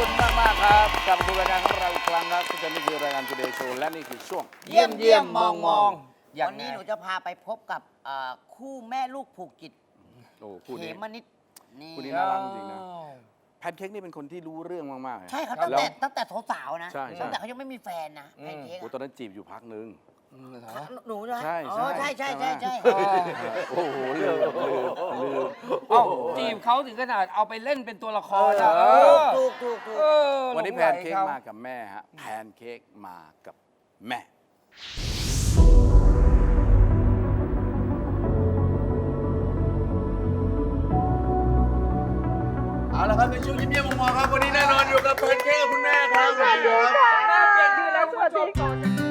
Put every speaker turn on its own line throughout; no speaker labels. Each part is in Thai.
คุณมากครับกลับมาดูรายการของเราอีกครั้งครับที่จะนี่คือรายการ Today Show และนี่คือช่วง
เยี่ยมมอง
วันนี้หนูจะพาไปพบกับคู่แม่ลูกผูกจิต
โอ้คู่
เข
นี้
มนิดนี่
คู่นี้น่ารักจริงๆนะแพนเค้กนี่เป็นคนที่รู้เรื่องมากๆ
ใช่ครับ
แล้ว
ตั้งแต่สาวๆนะ
ใช่ใช่
ตั้งแต่เขายังไม่มีแฟนนะแพนเค้ก
โอ้ตอนนั้นจีบอยู่พักนึง
หนูนะ
ใช่
อ๋อใช่ใช่
ใช่
ใช่
ไหม
ใช่
โอ้โหลืม
เอ้าจีบเขาถึงขนาดเอาไปเล่นเป็นตัวละครอะ
ถูก
วันนี้
ห
แพ
ลง
น
ไหล
เค้ก
ขา
มากับแม่ฮะแพนเค้กมากับแม่
เอาละครับในช่วงยิ้มเยี่ยมมองๆครับวันนี้แน่นอนอยู่กับแพนเค้กกับคุณแม่ครับสวัสดีครับ
แม่เปลี่ยนชื่อแล้วสวัสดีค่ะ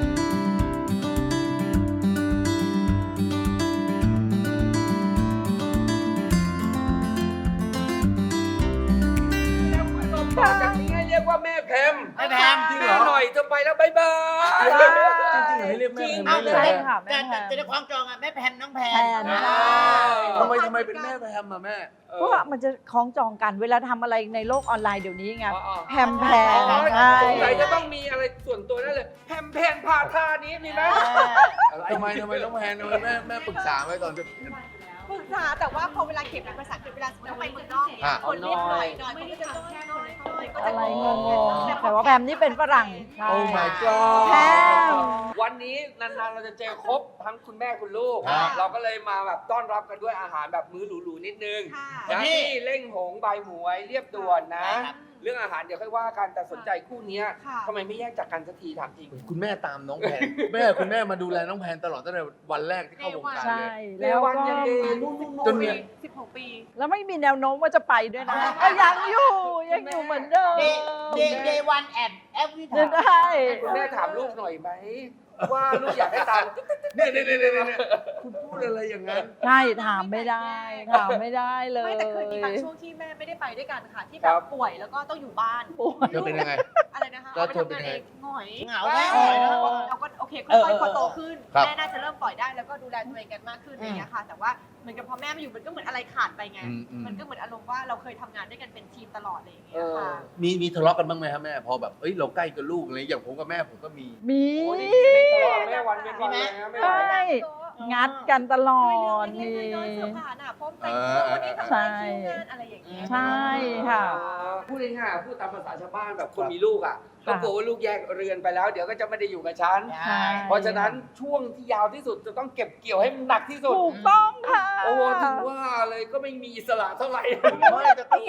ต่อจากนี้ให้เรียกว่าแม่แพม
แม่แพม
แม่หน่อยจะไปแล้วบ๊ายบาย
จริงๆให้เรียกแม่แพม
เอา
ได้
แต่
เลย
ค่ะ
แต่แต่ในความจองอะแม่แพมน้องแพม
ทำไมเป็นแม่แพมอ่ะแม่
เพราะว่ามันจะคล้องจองกันเวลาทำอะไรในโลกออนไลน์เดี๋ยวนี้ไงแพมแพ
อ๋
ม
อ
ใช่
สงสัยจะต้องมีอะไรส่วนตัวนั่นเลยแพมแพนพาท่านี้มีไหม
ทำไมน้องแพนทำไมแม่ปรึกษาไว้ตอนจะ
ปรึกษาแต่ว่าพอเวลาเขียนเป็นภาษาอังกฤษเวลาเราไปเมืองนอกเนี่ยคนเรียกหน่อยไม่ได้จะต้องแค่คนเลยก็จะ
อะไรงงๆแต่ว่าแพมนี่เป็นฝรั่งใช่
โอ้ my god
แพม
วันนี้นานๆเราจะเจอครบทั้งคุณแม่คุณลูก
ครับ
เราก็เลยมาแบบต้อนรับกันด้วยอาหารแบบมื้อหรูๆนิดนึง
ค่ะ
นะที่เล่งหงใบหมวยเรียบด่วนนะ
ได้ครับ
เรื่องอาหารเดี๋ยวค่อยว่ากันแต่สนใจคู่เนี้ย
ค่ะ
ทำไมไม่แยกจากกันสักทีถามจริง
คุณแม่ตามน้องแพนคุณแม่มาดูแลน้องแพนตลอดตั้งแต่วันแรกที่เข้าวงการ
ใช่
เลย
แล้ว
วัน
ก็
ยังดีนู่น
จนเนี่ย
16 ปี
แล้วไม่มีแนวโน้มว่าจะไปด้วยนะก็ยังอยู่เหมือนเดิม
เดย์วันแอนแอฟวิ
จะ
ทา
ได้
คุณแม่ถามลูกหน่อยไหมว่าลูกอยากให้ตาม
เนี่ยคุณพูดอะไรอย่างนั้น
ใช่ถามไม่ได้เลย
ไม่แต่เคยมีบางช่วงที่แม่ไม่ได้ไปด้วยกันค่ะ ที่แบบป่วยแล้วก็ต้องอยู่บ้าน
เธอเป็นยังไง
อะไรนะคะ
แล้ว
เอาไป
เธอเป็น
ทำงาน
ยังไง
เองหงอย
เหงาแม่หน่อยนะ
เราก็โอเคค่อยๆพอโตขึ้น
ครับ
แม่น่าจะเริ่มปล่อยได้แล้วก็ดูแลตัวเองกันมากขึ้นอะไรอย่างเงี้ยค่ะ แต่ว่าเหมือนกับพอแม่มาอยู่มันก็เหมือนอะไรขาดไปไง มันก็เหมือนอารมณ์ว่าเราเคยทำงานด้วยกันเป็นทีมตลอดอะไรอย่างเงี้ยค่ะ
มีทะเลาะกันบ้างไหมครับแม่พอแบบเอ้ยเราใกล้กับลูกอะไรอย่างผมกับแม่ผมก็มี
มี
โอ้นี่ไม่ทะเลาะกับแม่วันเป็นวันเลยนะแม่
ใช่งัดกันตลอด
นี่
นี่
น้อยเสื้อผ้าหน้าพร้อมแต่งตัววันนี้ทำอะไรคิวงานอะไรอย่างเงี้ย
ใช่ค่ะ
พูดง่ายๆพูดตามภาษาชาวบ้านแบบคนมีลูกอ่ะก็กลัวว่าลูกแยกเรือนไปแล้ว เดี๋ยวก็จะไม่ได้อยู่กับฉัน
ใช่
เพราะฉะนั้นช่วงที่ยาวที่สุดจะต้องเก็บเกี่ยวให้มันหนักที่สุด
ถูกต้องค่ะ
โอ้โหถึงว่าเลยก็ไม่มีอิสระเท่าไหร่
ไม่แต่ก็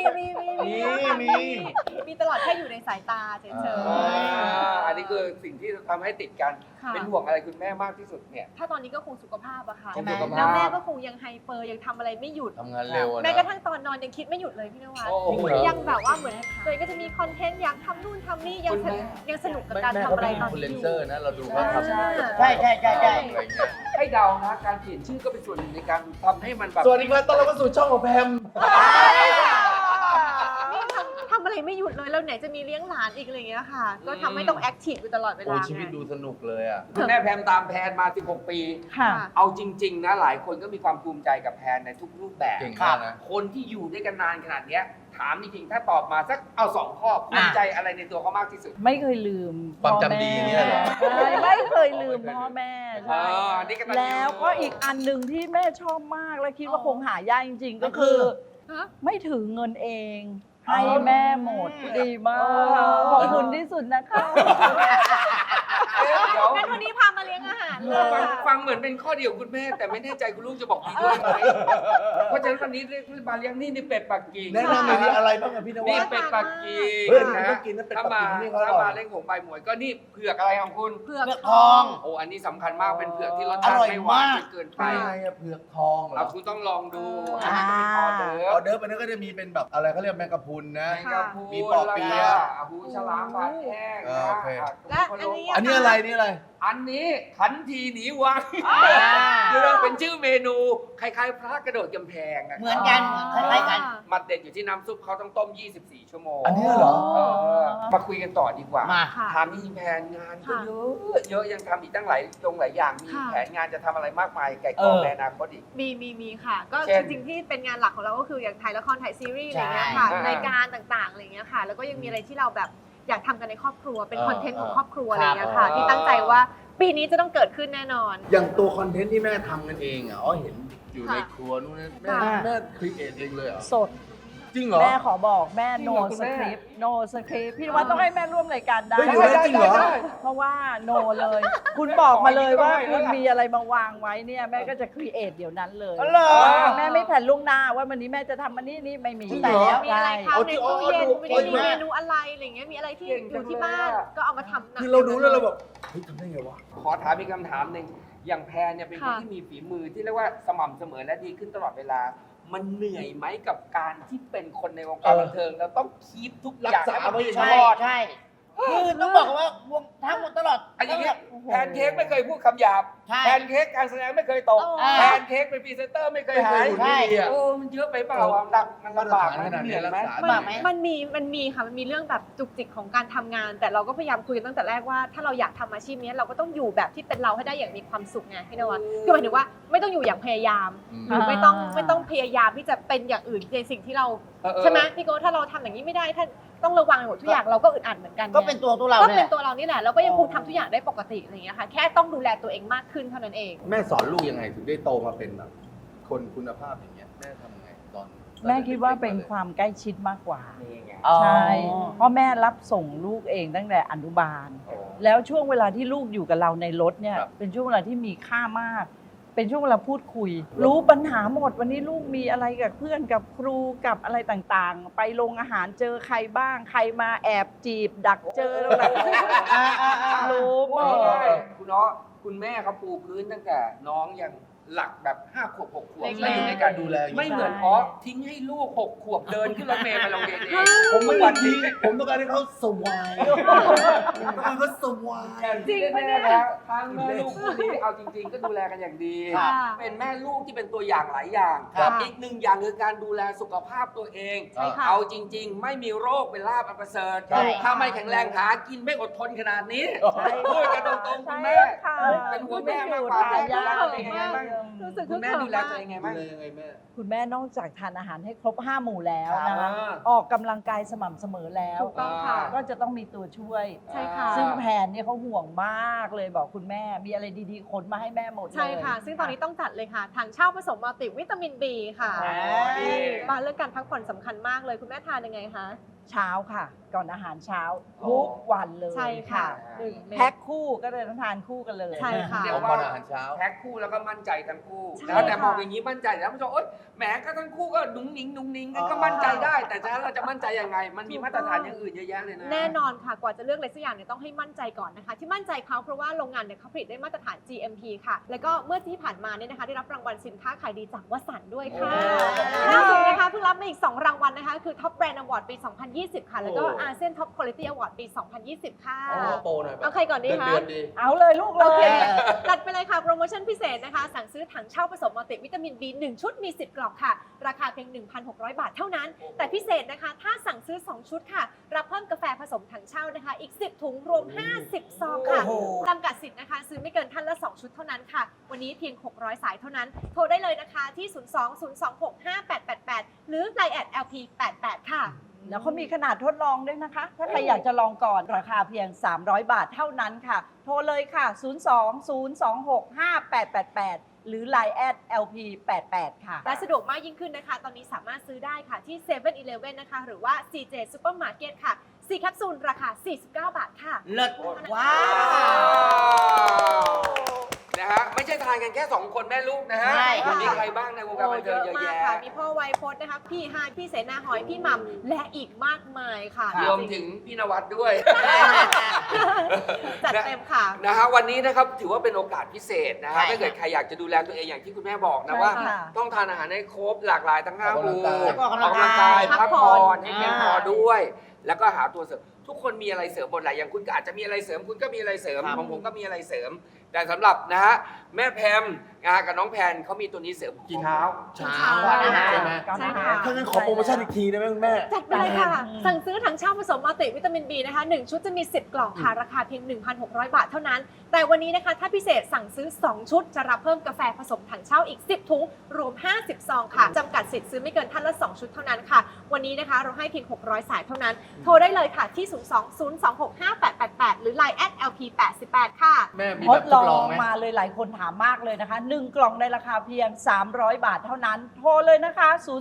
มีตลอดแค่อยู่ในสายตาเฉย
อันนี้คือสิ่งที่ทำให้ติดกัน
ค่ะ
เป็นห่วงอะไรคุณแม่มากที่สุดเนี่ย
ๆถ้าตอนนี้ก็คงสุขภาพอะค่ะ
คงสุขภาพ
แล้วแม่ก็คงยังไฮเปอร์ยังทำอะไรไม่หยุด
ทำงานเร็วอะ
แม้
นะ
กระทั่งตอนนอนยังคิดไม่หยุดเลยพี่นวัด
โอ้โห
ยังแบบว่าเหมือนตัวเองก็จะมีคอนเทนต์อยากทำนู่นทำนี่ยัง
คุณแม่
ยังสนุกกับ
แม่
การ
แม่
ทำ
เขา
อะไร
เป็น
ตอน
อินฟลู
นี้
เอน
อ
เซอยู่ ร์นะเราดูว่าทำ
ใช่
ใช่ใช่ใช่ใช่
อะไรเงี้ย
ให้เดานะการเปลี่ยนชื่อก็เป็นส่วนหนึ่งในการทำให้มันแบบ
สวัสดีครับต้อนรับเข้าสู่ช่องของแพม
นี่ทำอะไรไม่หยุดเลยแล้วไหนจะมีเลี้ยงหลานอีกอะไรอย่างเงี้ยค่ะ ก็ทำให้ต้องแอคทีฟอยู่ตลอดเว
โอ้
ลา
ชีวิตดูสนุกเลยอ่ะ
คุณแม่แพมตามแพนมา 16 ปี
ค่ะ
เอาจริง ๆ นะ หลายคนก็มีความภูมิใจกับแพนในทุกรูปแบบ
เก่งมากนะ
คนที่อยู่ด้วยกันนานขนาดเนี้ยถามจริงๆ ถ้าตอบมาสักเอา2 ข้อภูมิใจอะไรในตัวเขามากที่สุด
ไม่เคยลืม
ความจำดีเนี่ยเหรอ
ใช่ไม่เคยลืมพ่อแม่ใช่
อันนี้กำลัง
แล้วก็อีกอันหนึ่งที่แม่ชอบมากและคิดว่าคงหายากจริง ๆ ก็คือ
ฮะ
ไม่ถือเงินเอง ให้แม่หมดดีมากขอบคุณที่สุดนะคะ
เดี๋ยว
งั้นวันนี้พามาเลี้ยงอาหารเลย
ฟังเหมือนเป็นข้อเดียวคุณแม่ แต่ไม่แน่ใจคุณลูกจะบอกดีด้วยไหมเพราะฉะนั้นวันนี้เรียกมาเลี้ยงนี่เป็ดปักกิ่ง
แนะนำหน่อยดิอะไรบ้างอะพี่นวั
นี่
ด
เป็ดปักกิ่ง
เฮ้ยอันนี้ต้องกินนะเป็ดปั
ถ้าก
กิ่
มาง
นี่เขาอร่อย
ถ้ามาเล่นของใบหมวยก็นี่เผือกอะไรของคุณ
เผือก
เลือก
ท
ท
อ
อง ง
โอ้อันนี้สำคัญมากเป็นเผือกที่รสชาติ
อร่อย
ไม่หวาน
มาก
จนเกินไป
เป็นไงอะเผือกทองเหร
เรา
อ
คุณต้องลองดูอันนี้เป็นออเดอ
ออ
ร์
เดิร์ฟอันนั้นก็จะมีเป็นแบบอะไรเขาเรียกแมงกะพรุนนะ
แมงกะพรุน
มีปอเปี๊ยะ
หูฉลามผัดแห้ง
โอเค
และอันนี้
อันนี้อะไรนี่อะไร
อันนี้ขันทีหนีวังคือเป็นชื่อเมนูคล้ายๆพระกระโดดกำแพงะ
เหมือนกันคล้ายๆกัน
มาเด็ดอยู่ที่น้ำซุปเขาต้องต้ม 24 ชั่วโมง
อันนี้เหรอ
มาคุยกันต่อดีกว่า
มา
ค่ะ
ถามนี่แผนงานก็เยอะยังทำอีกตั้งหลายอย่าง มี
ค่ะ
แผนงานจะทำอะไรมากมายไก่กองในอนาคตอีก
มีค่ะ ก็
เช่น
จริงๆที่เป็นงานหลักของเราก็คืออย่างถ่ายละครถ่ายซีรีส์อะไรเงี้ยค่ะ
ใช่
รายการต่างๆอะไรเงี้ยค่ะ แล้วก็ยังมีอะไรที่เราแบบอยากทำกันในครอบครัวเป็น
เออ
คอนเทนต์ของ
เออ
ครอบครัวอะไรเงี้ยค่ะ
ครับ
ที่ตั้งใจว่าปีนี้จะต้องเกิดขึ้นแน่นอน
อย่างตัวคอนเทนต์ที่แม่ทำกันเองอ่ะอ๋อเห็นอยู่ใน
ค่ะ
ครัวนู่นนั่นแม่
ค่ะ
แม่ครีเอทเองเลยเหรอ
สด
จริงเหรอ
แม่ขอบอกแม่
จริง
โน
เหรอคุณ
ส
แม่
คริปต์โนสคริปต์พี่นวัดต้องให้แม่ร่วมรายการได้
เฮ้ยอยู่แล้วจริงเหรอ
เพราะว่าโนเลย คุณบอกมาเลยว่า
ขอให้ได้
คุณมีอะไรมาวางไว้เนี่ยแม่ก็จะครีเอทเดี๋ยวนั้นเลย
อ๋อเหรอ
แม่ไม่แผนล่วงหน้าว่าวันนี้แม่จะทำอันนี้นี่ไม่มี
จริงเหรอ
มีอะไรคะ
เอา
ใน
ที่
ตู้เย็น
เอา
มี
แม่
เมนูอะไรอะไรเงี้ยมีอะไรที่
เก่ง
อ
จัง
ยู่ที่
เลย
บ้าน
อะ
ก็เอามาทำนะ
คือเราดูแล้วเราแบบเฮ้ยทำได้ไงวะ
ขอถามอีกคำถามหนึ่งอย่างแพรเนี่ยเป็นคน
ค่ะ
ที่มีฝีมือที่เรียกว่าสม่ำเสมอและดีขึ้นตลอดเวลา มันเหนื่อยไหมกับการที่เป็นคนในวงการบันเทิงแล้วต้องคีปทุกอย่าง
รักษาไว้อย่างนี้
ใช่ใช่คือต้องบอกว่าวงทั้งหมดตลอด
อันอย่างเงี้ย
โอ้โห
แพนเค้กไม่เคยพูดคำหยาบ
ใช่
แพนเค้กการแสดงไม่เคยตก
อ่า
แพนเค้กเป็นพรีเซนเตอร์ไม่เคยหาย
ไม่เคยหุ่นดีอะ
โอ้มันเยอะไปเปล่าอ่ะหนักมันลำบาก
มาตรฐานขนาดนี้
เหนื่อยไหม
รักษา
บ้าไหม
มันมีค่ะมันมีเรื่องแบบจุกจิกของการทำงาน แต่เราก็พยายามคุยกันตั้งแต่แรกว่าถ้าเราอยากทำอาชีพนี้เราก็ต้องอยู่แบบที่เป็นเราให้ได้อย่างมีความสุขไงพี่นวัดคือหมายถึงว่าไม่ต้องอยู่อย่างพยายาม หรือไม่ต้องพยายามที่จะเป็นอย่างอื่นในสิ่งที่เรา ใช่ไหมพี่โก้ถ้าเราทำอย่างนี้ไม่ได้ถ้าต้องระวังหมดทุกอย่างเราก็อึดอัดเหมือนกันไง
ก็เป็นตัวเรา
ก็
เนี่
เป็
ย
นตัวเรานี่แหละแล้วก็ยังคงทำทุกอย่างได้ปกติอะไรอย่างเงี้ยค่ะแค่ต้องดูแลตัวเองมากขึ้นเท่านั้นเอง
แม่สอนลูกยังไงถึงได้โตมาเป็นแบบคนคุณภาพอย่างเงี้ยแม่ทำยังไงตอน
แม่คิดว่าเป็นความใกล้ชิดมากกว่า
นี่ไง
ใช่ เพราะแม่รับส่งลูกเองตั้งแต่อนุบาล
โอ้
แล้วช่วงเวลาที่ลูกอยู่กับเราในรถเนี่ย
ครับ
เป็นช่วงเวลาที่มีค่ามาก เป็นช่วงเวลาพูดคุย รู้ปัญหาหมดวันนี้ลูกมีอะไรกับเพื่อนกับครูกับอะไรต่างๆ ไปโรงอาหารเจอใครบ้างใครมาแอบจีบ ดักเจออะไรรู้หม
พูด
ด
ง่ายๆคุณน้องคุณแม่เขาปูพื้นตั้งแต่น้องยังหลักแบบ5 ขวบ 6 ขวบ
เล็กๆ
แล้วอยู่ในการดูแล
ใช่
ไม่เหมือนอ๋อทิ้งให้ลูก 6 ขวบเดินขึ้นรถเมล์ไปโรงเรียนเอง
ผมไม่วันนี้ผมต้องการให้เขาสวายต้องการเขาสวาย
จริงแน่ๆแล้วทั้งแม่ลูกคู่นี้เอาจริง ๆ ก็ดูแลกันอย่างดี
ค่ะ
เป็นแม่ลูกที่เป็นตัวอย่างหลายอย่าง
ครับ
อีกหนึ่งอย่างคือการดูแลสุขภาพตัวเอง
ใช่ค่ะ
เอาจริง ๆ ไม่มีโรคเป็นลาภอันประเสริฐ
ใช่
ถ้าไม่แข็งแรงหากินไม่อดทนขนาดนี้พูดกันตรงๆคุณแม่
ค่ะ
เป็นหัวแม่มากกว่า
ไม่
แม่
อยู่
ดูแลตัวเองยังไงบ้าง
รู้สึก
คุณแม่ดูแลตัวเองยังไงบ้าง
ดูแลยังไงแม่
คุณแม่นอกจากทานอาหารให้ครบ 5 หมู่แล้วนะ
ครั
คะ
บ
ออกกำลังกายสม่ำเสมอแล้ว
ถูกต้องค่ะ
ก็จะต้องมีตัวช่วย
ใช่ค่ะ
ซึ่งแผนเนี่ยเขาห่วงมากเลยบอกคุณแม่มีอะไรดีๆขนมาให้แม่หมดเลย
ใช่ค่ะ ซึ่งตอนนี้ต้องจัดเลยค่ะถังเช่าผสมมัลติวิตามิน B ค่ะ
อ๋อดี
บ้านเรื่องการพักผ่อนสำคัญมากเลยคุณแม่ทานยังไงคะ
เช้าค่ะ ก่อนอาหารเช้า
อ๋อ
ทุกวันเลย
ใช่ค่ะ
แพ็คคู่ก็เลยต้องทานคู่กันเลย
ใช่ค่ะ
เดี๋ยว
ก่อนอาหารเช้า
แพ็คคู่แล้วก็มั่นใจทั้งคู่
ใช่
แล้วแต่
ค่ะ
มองอย่างนี้มั่นใจแล้วมันจะโอ๊ยแหมก็ทั้งคู่ก็นุ้งนิ้งนุ้งนิ้งก็มั่นใจได้ แต่ถ้าเราจะมั่นใจยังไง มันมีมาตรฐานอย่างอื่นเยอะแยะเลยนะ
แน่นอนค่ะกว่าจะเลือกอะไรสักอย่างเนี่ยต้องให้มั่นใจก่อนนะคะ ที่มั่นใจเขาเพราะว่าโรงงานเนี่ยเขาผลิตได้มาตรฐาน GMP ค่ะ แล้วก็เมื่อที่ผ่านมาเนี่ยนะคะได้รับรางวัลสินค้าขายดีจากวสันต์ด้วยค่ะ
โอ้
ล่าสุดนะคะเพิ่งรับมาอีก 2 รางวัลนะคะคือ Top Brand Award ปี 2020 ค่ะ แล้วก็ ASEAN Top Quality Award ปี 2020 ค่ะ
เอาโปรหน่อย
เอาใครก่อนดีคะ
เดือนดี
เอาเลยลูกเล
โอเค
ย
จัดไปเลยค่ะ โปรโมชั่นพิเศษนะคะ สั่งซื้อถังเช่าผสมมัลติวิตามิน B 1 ชุดมี 10 กล่องค่ะ ราคาเพียง 1,600 บาทเท่านั้น แต่พิเศษนะคะ ถ้าสั่งซื้อ 2 ชุดค่ะ รับเพิ่มกาแฟผสมถังเช่านะคะ อีก 10 ถุงรวม 50 ซองค่ะ
โอ้โห
จำกัดสิทธิ์นะคะ ซื้อไม่เกินท่านละ 2 ชุดเท่านั้นค่ะ วันนี้เพียง 600 สายเท่านั้น โทรได้เลยนะคะที่ 02-026-5888 หรือ Line @LP88 ค่ะ
แล้วเขามีขนาดทดลองด้วยนะคะ ถ้าใครอยากจะลองก่อนราคาเพียง 300 บาทเท่านั้นค่ะ โทรเลยค่ะ 02-026-5888 หรือ Line @LP88 ค่ะ
และสะดวกมากยิ่งขึ้นนะคะ ตอนนี้สามารถซื้อได้ค่ะที่7 e เ e ่ e อนะคะ หรือว่า CJ Supermarket ค่ะ 4 แคปซูลราคา 49 บาทค่ะ
เลิศว้าว
นะฮะไม่ใช่ทานกันแค่ 2 คนแม่ลูกนะฮะ
ใช่ค่ะ
มีใครบ้างในวงการบันเทิงเยอะ
มาก
แยะ
ค่ะ มีพ่อไวยพจน์นะคะ พี่ฮายพี่เสนาหอย พี่หม่ำและอีกมากมายค่ะ
รวมถึงพี่นวัดด้วย
จัดเต็มค่ะ
นะฮะวันนี้นะครับถือว่าเป็นโอกาสพิเศษนะฮะ
ใช่
ถ้าเกิดใครอยากจะดูแลตัวเองอย่างที่คุณแม่บอกนะว่า
ใช่ค่ะ
ต้องทานอาหารให้ครบหลากหลายทั้ง5 หมู่
แล้วก็
ออกกำลังกาย
พักผ่อนให้เพียงพอด้วย แล้วก็หาตัวเสริมทุกคนมีอะไรเสริมหมดแหละอย่างคุณก็อาจจะมีอะไรเสริมคุณก็มีอะไรเสริม
ครับ
ของผมก็มีอะไรเสริม แต่สำหรับนะฮะแม่แพมกับน้องแพนเขามีตัวนี้เสริมกินเช้า
เช้าใช่ไหม
ใช่ค่ะ
ถ้างั้นขอโปรโมชั่นอีกทีได้ไหมคุณแม่
จัดไปเลยค่ะ สั่งซื้อถังเช่าผสมมัลติวิตามิน B นะคะ 1 ชุดจะมี 10 กล่องค่ะ ราคาเพียง 1,600 บาทเท่านั้น แต่วันนี้นะคะ ถ้าพิเศษสั่งซื้อ 2 ชุด จะรับเพิ่มกาแฟผสมถังเช่าอีก 10 ถุง รวม 50 ซองค่ะ จำกัดสิทธิ์ซื้อไม่เกินท่านละ 2 ชุดเท่านั้นค่ะ วันนี้นะคะเราให้เพียง 600 สายเท่านั้น โทรได้เลยค่ะที่ 020265888 หรือ Line @lp88 ค่ะ
แม่มี
ท
แบ
ด
บ
ล
ท
อ
ดลอง
ง
ไหม
มาเลยหลายคนถามมากเลยนะคะ 1 กล่องในราคาเพียง 300 บาทเท่านั้น โทรเลยนะคะ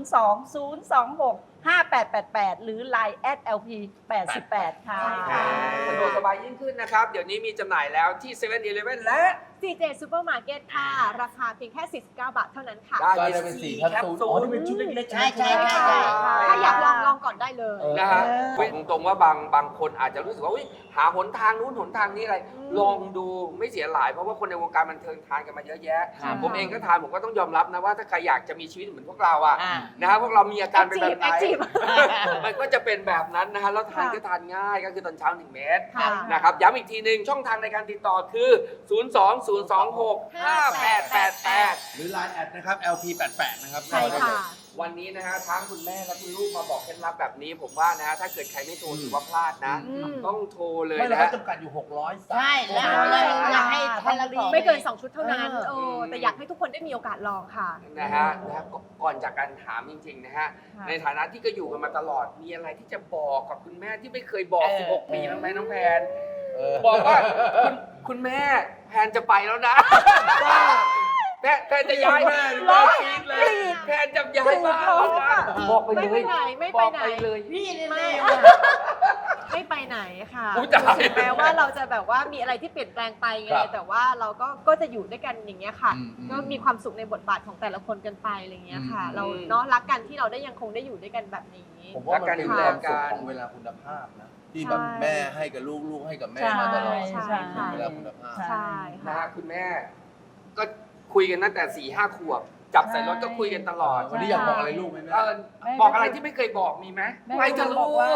020265888 หรือ Line @lp88 ค่ะ
สะดวกสบายยิ่งขึ้นนะครับ เดี๋ยวนี้มีจำหน่ายแล้วที่7 e เ e ่ e อและ
CJ Supermarket ค่ะ ราคาเพียงแค่ 49 บาทเท่านั้นค่ะ
ก็จะเป็น4แคปซูลอ๋อที่เป็นชุดเล็กๆ
ใช่ใช่
ไหม
ใช่ใช่
ถ้าอยากลองก่อนได้เลย
นะฮะบอกตรงๆว่าบางคนอาจจะรู้สึกว่าอุ๊ยหาหนทางนู้นหนทางนี้อะไร ลองดูไม่เสียหลาย เพราะว่าคนในวงการบันเทิงทานกันมาเยอะแยะ
ครับ
ผมเองก็ทานผมก็ต้องยอมรับนะว่าถ้าใครอยากจะมีชีวิตเหมือนพวกเราอะ
อ่า
นะฮะพวกเรามีอาการเป็นแบบไหน
Active
มันก็จะเป็นแบบนั้นนะฮะแล้วทานก็ทานง่ายก็คือตอนเช้า1 เม็ด
ค่ะ
นะครับย้ำอีกทีหนึ่งช่องทางในการติดต่อคือ 020265888
หรือ Line แอดนะครับ LP88 นะครับ
ใช่ค่ะ
วันนี้นะฮะทั้งคุณแม่และคุณลูกมาบอกเคล็ดลับแบบนี้ ผมว่านะฮะถ้าเกิดใครไม่โทรถือว่าพลาดนะ
อืม
ต้องโทรเลย
ไม่เรา
นะ
ก็
ฮะ
จำกัดอยู่ 600
ใช่แล้วอยากให้ท่านละสอง
ไม่เกิน 2 ชุดเท่านั้น
เออ
แต่อยากให้ทุกคนได้มีโอกาสลองค่ะ
นะฮะก่อนจากการถามจริงๆนะฮะ
ค่ะ
ในฐานะที่ก็อยู่กันมาตลอดมีอะไรที่จะบอกกับคุณแม่ที่ไม่เคยบอก 16 ปีบ้างไหมน้องแพนบอกว่าคุณแม่แพนจะไปแล้วนะแพนจะย้ายบ้านแพนจะย้ายบ้านแล้วนะบอกไป
ไม่
เล
ไป
ย
ไหนไม่
บ
ไป
อก
ไหน
ไปเลย
พี่เร็
ไม่
ว
ไม่ไปไหนค่ะ
อุ๊ยตาย
ถึงแม้ว่าเราจะแบบว่ามีอะไรที่เปลี่ยนแปลงไปไง
ครับ
แต่ว่าเราก็จะอยู่ด้วยกันอย่างเงี้ยค่ะ
อืม
ก็มีความสุขในบทบาทของแต่ละคนกันไปอะไรเงี้ยค่ะ
อืม
เราเนาะรักกันที่เราได้ยังคงได้อยู่ด้วยกันแบบนี้
ผมว่ามันเป็นความสุข
รักกัน
ของเวลาคุณภาพนะ ที่แบบ
ใช่
แม่ให้กับลูกลูกให้กับแม่มาตลอด
ใช่ค่ะ
เวลาคุณภาพ
ใช่
นะ
ค่ะ
ฮะคุณแม่ก็คุยกันตั้งแต่ 4-5 ขวบ จับใส่รถก็คุยกันตลอด
วันนี้อยากบอกอะไรลูกไหมแม่
บอกอะไรที่ไม่เคยบอกมีไหม
แม่
ไม่จะ
บ
รู้
อกว่า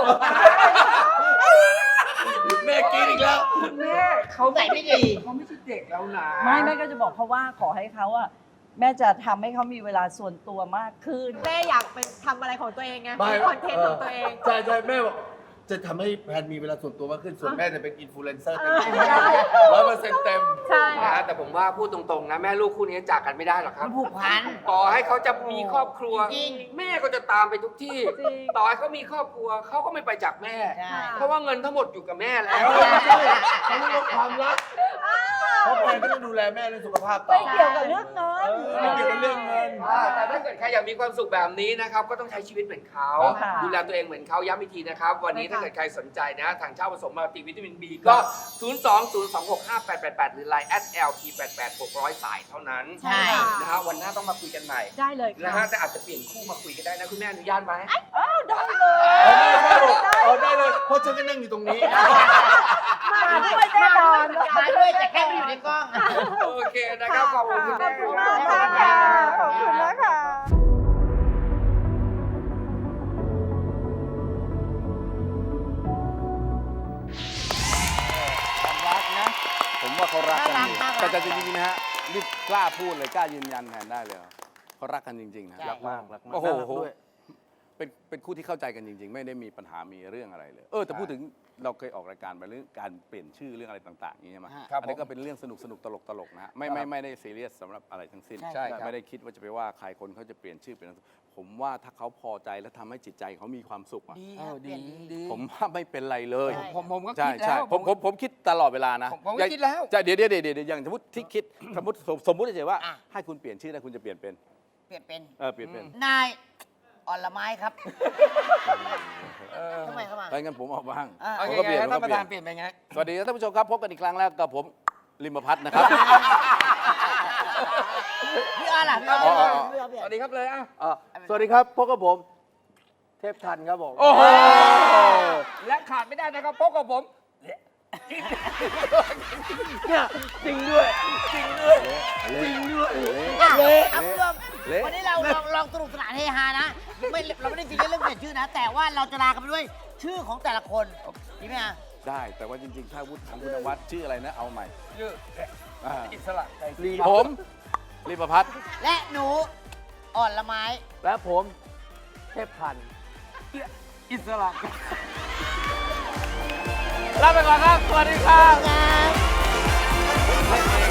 แม่กินอีกแล้ว
คุณแม่เขา
ใส่ไม่ดี
เขาไม่ใช่เด็กแล้วนะ
ไม่แม่ก็จะบอกเขาว่าขอให้เขาอะแม่จะทำให้เขามีเวลาส่วนตัวมากขึ้น
แม่อยากเป็นทำอะไรของตัวเองไง
ไม่
มีคอนเทนต์ของตัวเอง
ใช่ใช่แม่บอกจะทำให้แพนมีเวลาส่วนตัวมากขึ้น ส่วนแม่จะเป็นอินฟลูเอนเซอร์เต็มที่100%เต็ม
ใช่
นะแต่ผมว่าพูดตรงๆนะแม่ลูกคู่นี้จากกันไม่ได้หรอกครับ
มันผูกพัน
ต่อให้เขาจะมีครอบครัว
จริง
แม่ก็จะตามไปทุกที่
จริง
ต่อให้เขามีครอบครัวเขาก็ไม่ไปจากแม่
ใช่
เพราะว่าเงินทั้งหมดอยู่กับแม่แล้ว
เขาเรียกว่าความรักเพราะแพนก็ต้องดูแลแม่เรื่องสุขภาพต่อ
ไม่เกี่ยวกับเรื่องเงิน
ไม่เกี่ยวกับเรื่องเงิน
แต่ถ้าเกิดใครอยากมีความสุขแบบนี้นะครับก็ต้องใช้ชีวิตเหมือนเขา
ค่ะ
ดูแลตัวเองเหมือนเขาย้ำอีกทีนะครับ วันนี้
ใช่ค่ะ
ถ้าเกิดใครสนใจนะทางเช่าผสมมัลติวิตามิน B ก็ 020265888 หรือ Line @lp88 600 สายเท่านั้น
ใช่
นะฮะวันหน้าต้องมาคุยกันใหม่
ได้เลย
นะ
ค่ะ
ฮะแต่อาจจะเปลี่ยนคู่มาคุยกันได้นะคุณแม่อนุญาตไหม
ได้เลย
เอาได้เลยเพราะฉันก็นั่งอยู่ตรงนี้
มาด้วยแน่นอน
มาด้วยแต่แค่ไม่อยู่ในกล้อง
โอเคนะครับขอบคุณคุณแม่
ขอบคุณมากค่ะขอบคุณนะคะ
ความรักนะ ผมว่าเขารักกัน
น่ารัก
อยู่
น่ารัก
แต่จริงๆนะฮะนี่กล้าพูดเลยกล้ายืนยันแทนได้เลยเขารักกันจริงๆนะ
ใช่
รักมากรักมากโอ้โหเป็นคู่ที่เข้าใจกันจริง ๆ ไม่ได้มีปัญหามีเรื่องอะไรเลยแต่พูดถึงเราเคยออกรายการไปเรื่องการเปลี่ยนชื่อเรื่องอะไรต่างๆอย่างนี้ใช่ไหม
ครับ
อันนี้ก็เป็นเรื่องสนุกตลกๆนะฮะไม่ได้ซีเรียสสำหรับอะไรทั้งสิ้น
ใช่
ครับ
ไม่ได้คิดว่าจะไปว่าใครคนเขาจะเปลี่ยนชื่อเปลี่ยนนามสกุลผมว่าถ้าเขาพอใจและทำให้จิตใจเขามีความสุขอะ
ดี
เออดี
ดี
ผมว่าไม่เป็นไรเลย
ใช่
ผมก็
ใช่
คิดแล้
ใช่
ว
ผมคิดตลอดเวลานะ
ผมก็คิดแล้ว
ใช่เดี๋ยวอย่างสมมติที่คิดสมมติเฉยๆว่า
อ่ะ
ให้คุณเปลี่ยนชื่อได้คุณจะเปลี่ยนเป็น
เปลี่ยนเป็น
เปลี่ยนเป็น
นายอ่อนละไม้ครับทำไมเข้ามา
ถ้างั้นผมเอาบ้าง
อ่ะ
เอา
ผม
ไง
ก็เปลี่ยน
ท่าน
ผม
ป
ก็
ระ
เปลี่
ธาย น
น
เปลี่ยนไปไง
สวัสดีครับท่านผู้ชมครับพบกันอีกครั้งแล้วกับผมลิมพัฒน์นะครับ
พี่อ้อนล่ะพี่อ้อน
อ๋อ
พี่อ้อน
สวัสดีครับเลยอ่ะ
สวัสดีครับพบกับผมเทพทันครับผม
โอ้โห
และขาดไม่ได้นะครับพบกับผม
เนี่ยจริงด้วยจริงด้วยจริงด้วย
อ่ะเอาคุณผู้ชม
เละ
วันนี้เราลองสนุกสนานเฮฮานะเราไม่ได้ซีเรียสเรื่องเปลี่ยนชื่อนะ แต่ว่าเราจะลากันไปด้วยชื่อของแต่ละคนดีไหมอ่ะ
ได้แต่ว่าจริงๆ ถ้าวุฒิทางคุณนวัดชื่ออะไรนะ เอาใหม่
ชื่อ
อ่า
อิสระไกรศรี
ผมรีประพัฒน์
และหนูอ่อนละไม้
และผมเทพพันธ์
อิสระ
ลาไปก่อนครับ สวัสดีครับ
ครับ